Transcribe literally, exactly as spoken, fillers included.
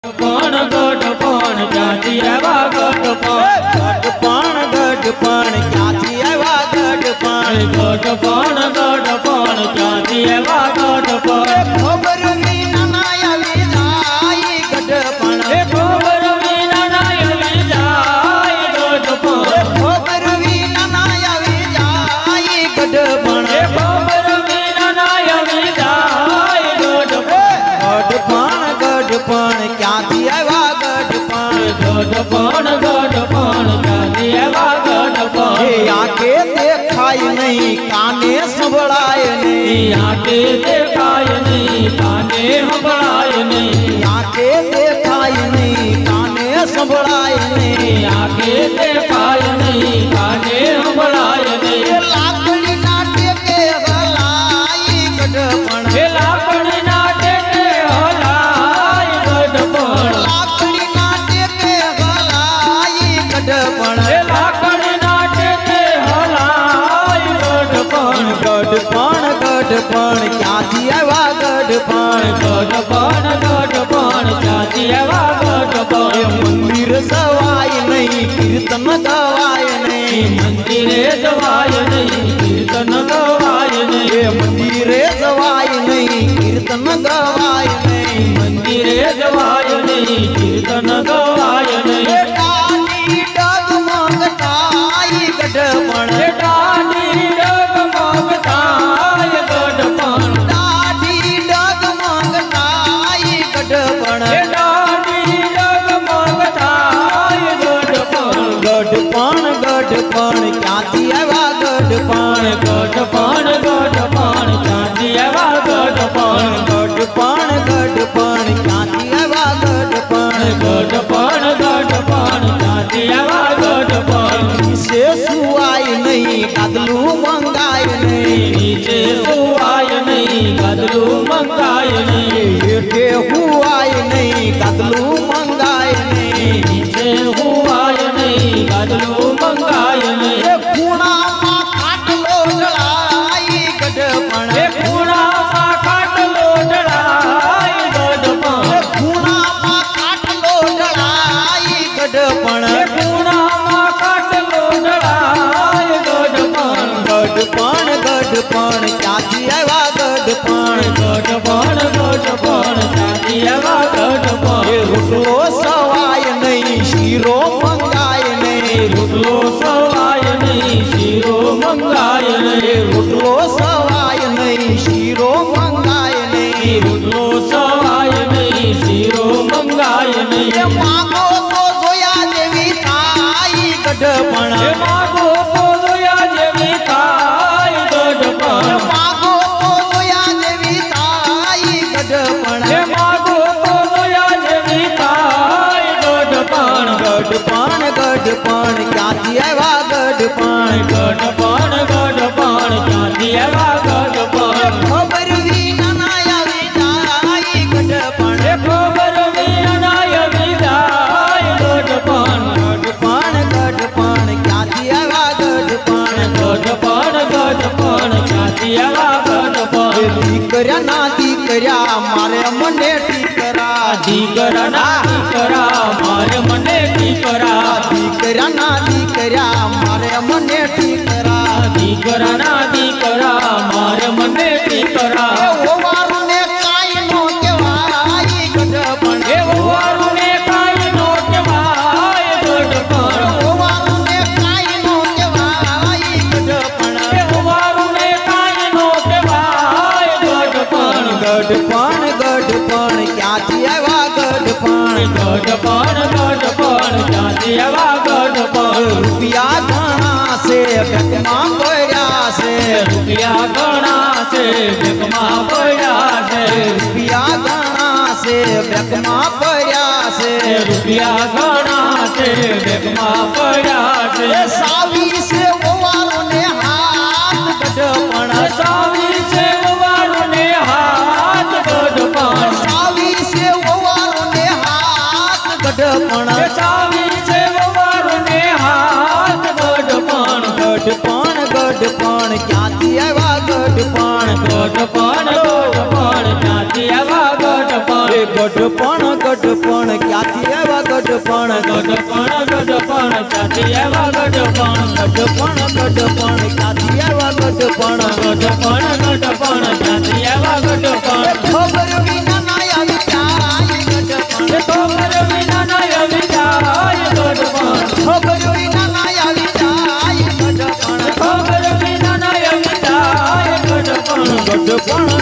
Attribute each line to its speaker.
Speaker 1: पण गढ़पण क्यांथी आवा गढ़पण
Speaker 2: गढ़पण गढ़पण क्यांथी आवा गढ़पण
Speaker 1: गढ़पण गढ़पण क्यांथी आवा गढ़पण
Speaker 2: खबर विना ना आवी जाय गढ़पण
Speaker 1: खबर विना ना आवी जाय गढ़पण
Speaker 2: खबर विना ना आवी जाय गढ़पण
Speaker 1: खबर विना ना आवी जाय गढ़पण
Speaker 2: गढ़पण क्यांथी आवा गढ़पण
Speaker 1: गढ़पण गढ़पण क्यांथी आवा गढ़पण
Speaker 2: आंखे देखाय नहीं काने संभळाय नहीं
Speaker 1: आंखे देखाय नहीं काने संभळाय नहीं
Speaker 2: आंखे देखाय नहीं काने संभळाय नहीं
Speaker 1: आंखे देखाय नहीं काने संभळाय नहीं
Speaker 2: लाकड़ी नाटे के हलाई गढ़पण
Speaker 1: लाकड़ी नाटे के हलाई गढ़पण
Speaker 2: लाकड़ी नाटे के हलाई गढ़पण
Speaker 1: लाकड़ी नाटे के हलाई गढ़पण
Speaker 2: गढ़पण गढ़पण क्यांथी आवा गढ़पण
Speaker 1: गढ़पण गढ़पण क्यांथी आवा गढ़पण
Speaker 2: मंदिर सवाय नहीं कीर्तन गवाय नहीं
Speaker 1: मंदिरे जवाय नहीं कीर्तन गवाय नहीं
Speaker 2: मंदिरे जवाय नहीं कीर्तन गवाय नहीं
Speaker 1: मंदिरे जवाय नहीं कीर्तन गवाय नहीं
Speaker 2: डाली डगमगताय गढ़पण
Speaker 1: डाली डगमगताय गढ़पण
Speaker 2: डाली डगमगताय गढ़पण
Speaker 1: डाली डगमगताय गढ़पण
Speaker 2: गढ़पण गढ़पण क्यांथी आवा गढ़पण
Speaker 1: गढ़पण गढ़पण क्यांथी आवा गढ़पण
Speaker 2: गढ़पण गढ़पण क्यांथी आवा गढ़पण
Speaker 1: गढ़पण गढ़पण क्यांथी आवा गढ़पण
Speaker 2: से सुवाय नहीं गदलू मंगाय नहीं
Speaker 1: नीचे सुवाय नहीं गदलू मंगाय नहीं
Speaker 2: हेठे हुआय नहीं गदलू मंगाय नहीं
Speaker 1: नीचे हुआय नहीं गदलू मंगाय नहीं
Speaker 2: खूणा मा खाटलो जळाय गढ़पण
Speaker 1: खूणा मा खाटलो जळाय गढ़पण
Speaker 2: खूणा मा खाटलो जळाय गढ़पण
Speaker 1: खूणा मा खाटलो जळाय गढ़पण
Speaker 2: गढ़पण गढ़पण क्यांथी आवा गढ़पण
Speaker 1: गढ़पण गढ़पण क्यांथी आवा गढ़पण
Speaker 2: रुकलो सवाय नहीं शीरो मंगाय नहीं
Speaker 1: रुकलो सवाय नहीं शीरो मंगाय नहीं
Speaker 2: रुकलो सवाय नहीं शीरो मंगाय नहीं
Speaker 1: रुकलो सवाय नहीं शीरो मंगाय नहीं
Speaker 2: मागो तो जोया देवी थाई गढ़पण
Speaker 1: मागो तो जोया देवी थाई गढ़पण
Speaker 2: मागो तो जोया देवी थाई गढ़पण
Speaker 1: मागो तो जोया देवी थाई गढ़पण
Speaker 2: गढ़पण गढ़पण क्यांथी आवा गढ़पण
Speaker 1: गढ़पण गढ़पण क्यांथी आवा गढ़पण
Speaker 2: खबर विना ना आवी जाय गढ़पण
Speaker 1: खबर विना ना आवी जाय गढ़पण
Speaker 2: गढ़पण गढ़पण क्यांथी आवा गढ़पण
Speaker 1: गढ़पण गढ़पण क्यांथी आवा गढ़पण
Speaker 2: दीकऱ्या ना दीकऱ्या मारे मने ठीकरा
Speaker 1: दीकरा ना दीकरा मारे मने ठीकरा
Speaker 2: दीकऱ्या ना दीकऱ्या मारे मने ठीकरा
Speaker 1: दीकरा ना दीकरा मारे मने ठीकरा
Speaker 2: ओ वारुने काय नो केवाय गढ़पण
Speaker 1: हे वारुने काय नो केवाय गढ़पण
Speaker 2: ओ वारुने काय नो केवाय गढ़पण
Speaker 1: हे वारुने काय नो केवाय गढ़पण
Speaker 2: गढ़पण गढ़पण क्यांथी आवा गढ़पण
Speaker 1: गढ़पण गढ़पण क्यांथी आवा गढ़पण
Speaker 2: रुपया घणा से बेकमा पड्या से
Speaker 1: रुपया घणा से बेकमा पड्या से
Speaker 2: रुपया घणा से बेकमा पड्या से
Speaker 1: रुपया घणा से बेकमा पड्या से
Speaker 2: सावी से ओवारोने हाथ गढ़पण
Speaker 1: सावी से ओवारोने हाथ गढ़पण
Speaker 2: सावी से ओवारोने हाथ गढ़पण
Speaker 1: सावी से ओवारोने हाथ गढ़पण
Speaker 2: गढ़पण गढ़पण क्यांथी आवा गढ़पण
Speaker 1: गढ़पण गढ़पण क्यांथी आवा गढ़पण
Speaker 2: ગઢપણ ગઢપણ ક્યાંથી આવ્યા ગઢપણ
Speaker 1: ગઢપણ ગઢપણ ક્યાંથી આવ્યા ગઢપણ
Speaker 2: ગઢપણ ગઢપણ ક્યાંથી આવ્યા ગઢપણ
Speaker 1: ગઢપણ ગઢપણ ક્યાંથી આવ્યા ગઢપણ
Speaker 2: ખબર વિના ના આવી જાય ગઢપણ
Speaker 1: ખબર વિના ના આવી જાય ગઢપણ
Speaker 2: ખબર વિના ના આવી જાય ગઢપણ
Speaker 1: ખબર વિના ના આવી જાય ગઢપણ
Speaker 2: ગઢપણ